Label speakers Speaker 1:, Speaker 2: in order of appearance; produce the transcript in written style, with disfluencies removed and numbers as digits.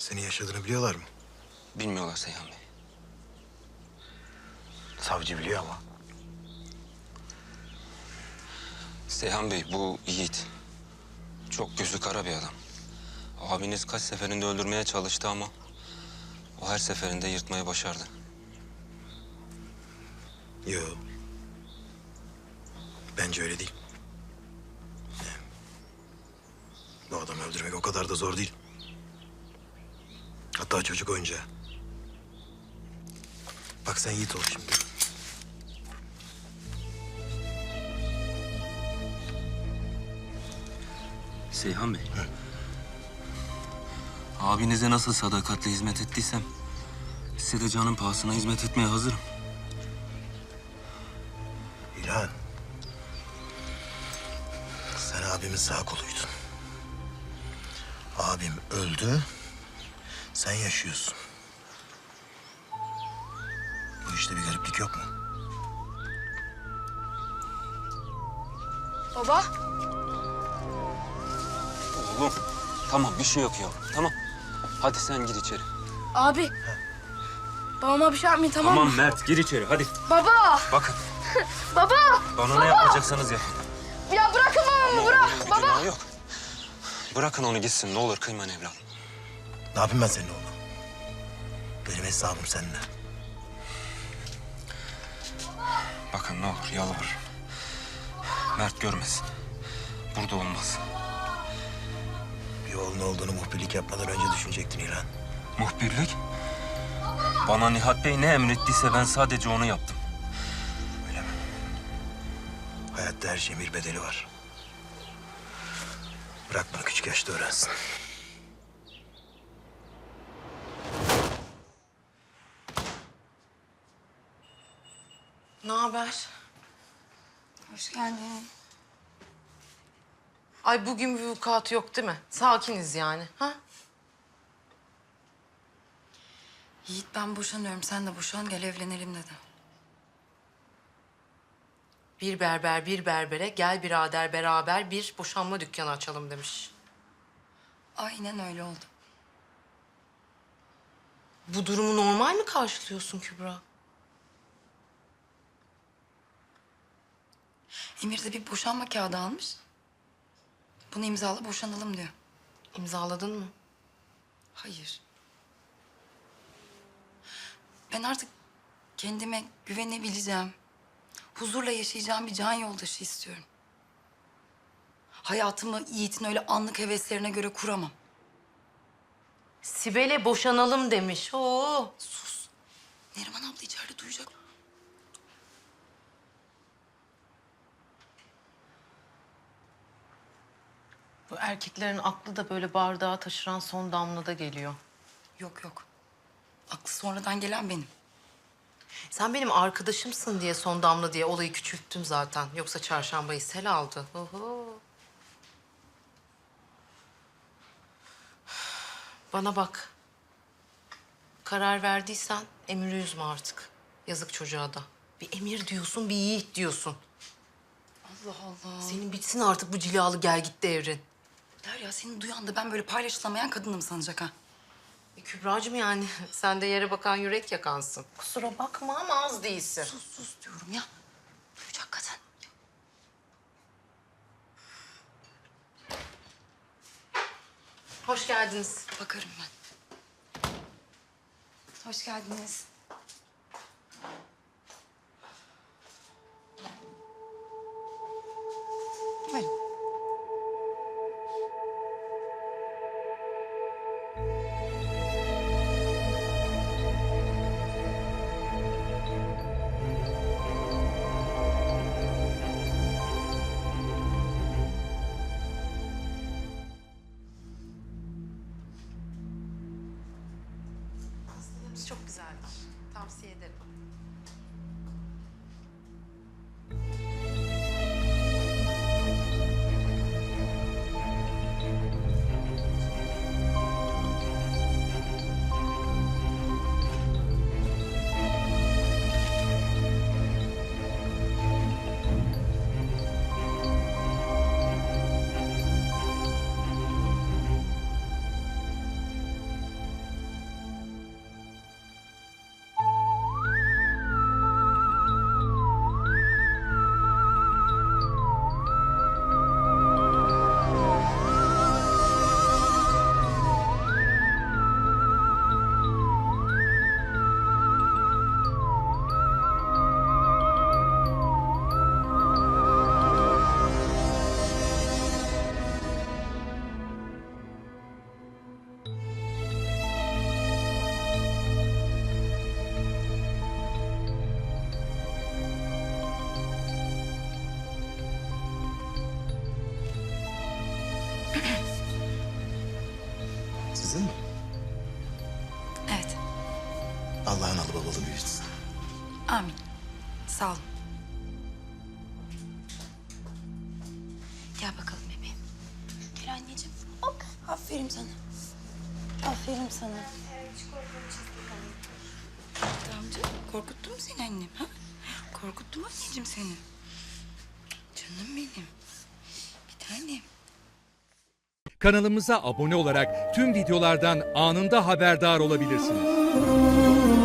Speaker 1: Senin yaşadığını biliyorlar mı?
Speaker 2: Bilmiyorlar Seyhan Bey.
Speaker 1: Savcı biliyor ama.
Speaker 2: Seyhan Bey bu Yiğit. Çok gözü kara bir adam. Abiniz kaç seferinde öldürmeye çalıştı ama o her seferinde yırtmayı başardı.
Speaker 1: Yo. Bence öyle değil. Bu adamı öldürmek o kadar da zor değil. Hatta çocuk oyuncağı. Bak sen Yiğit ol şimdi.
Speaker 2: Seyhan Bey. Abinize nasıl sadakatle hizmet ettiysem size de canın pahasına hizmet etmeye hazırım.
Speaker 1: İlhan. Sen abimin sağ koluydun. Abim öldü. Sen yaşıyorsun. Bu işte bir gariplik yok mu?
Speaker 3: Baba,
Speaker 2: Oğlum tamam bir şey yok ya tamam. Hadi sen gir içeri.
Speaker 3: abi. Babama bir şey yapmayın, tamam mı?
Speaker 2: Tamam Mert gir içeri hadi.
Speaker 3: Baba,
Speaker 2: Bakın
Speaker 3: baba.
Speaker 2: bana ne yapacaksanız yapın.
Speaker 3: Ya bırakın babamı, bırak.
Speaker 2: Bir
Speaker 3: Baba.
Speaker 2: günahı yok. Bırakın onu gitsin ne olur kıymayın evladım.
Speaker 1: Ne yapayım ben senin oğlum? Benim hesabım seninle.
Speaker 2: Bakın ne olur yalvarırım. Mert görmesin. Burada olmaz.
Speaker 1: Bir oğlun olduğunu muhbirlik yapmadan önce düşünecektin İlhan.
Speaker 2: Muhbirlik? Bana Nihat Bey ne emrettiyse ben sadece onu yaptım.
Speaker 1: Öyle mi? Hayatta her şeyin bir bedeli var. Bırak bunu küçük yaşta öğrensin.
Speaker 4: Ne haber?
Speaker 3: Hoş geldin.
Speaker 4: Ay bugün bir vukuat yok değil mi? Sakiniz yani. Ha?
Speaker 3: Yiğit ben boşanıyorum, sen de boşan, gel evlenelim dedi.
Speaker 4: Bir berber bir berbere gel birader beraber bir boşanma dükkanı açalım demiş.
Speaker 3: Aynen öyle oldu.
Speaker 4: Bu durumu normal mi karşılıyorsun Kübra?
Speaker 3: Emir de bir boşanma kağıdı almış. Bunu imzala boşanalım diyor.
Speaker 4: İmzaladın mı?
Speaker 3: Hayır. Ben artık kendime güvenebileceğim, huzurla yaşayacağım bir can yoldaşı istiyorum. Hayatımı Yiğit'in öyle anlık heveslerine göre kuramam.
Speaker 4: Sibel'e boşanalım demiş. Oo.
Speaker 3: Sus. Neriman abla içeride duyacak.
Speaker 4: Bu erkeklerin aklı da böyle bardağı taşıran son damlada geliyor.
Speaker 3: Yok yok. Aklı sonradan gelen benim.
Speaker 4: Sen benim arkadaşımsın diye son damla diye olayı küçülttüm zaten. Yoksa çarşambayı sel aldı. Oho. Bana bak. Karar verdiysen Emir'i üzme artık. Yazık çocuğa da. Bir Emir diyorsun, bir Yiğit diyorsun.
Speaker 3: Allah Allah.
Speaker 4: Senin bitsin artık bu cilalı gel git devrin.
Speaker 3: Derya seni duyan da ben böyle paylaşılamayan kadınım sanacak ha.
Speaker 4: Kübracığım yani sen de yere bakan yürek yakansın. Kusura bakma ama az değilsin.
Speaker 3: Sus sus diyorum ya. Duyacak kadın.
Speaker 4: Hoş geldiniz.
Speaker 3: Bakarım ben. Hoş geldiniz. Buyurun.
Speaker 4: Pastalarımız çok güzeldir. Tavsiye ederim.
Speaker 1: Kızın mı?
Speaker 3: Evet.
Speaker 1: Allah analı babalı büyütsün.
Speaker 3: Amin. Sağ olun. Gel bakalım bebeğim. Gel anneciğim. Hop. Aferin sana. Aferin sana. Amca korkuttu mu seni annem? Ha? Korkuttu mu anneciğim seni? Canım benim. Bir tanem.
Speaker 5: Kanalımıza abone olarak tüm videolardan anında haberdar olabilirsiniz.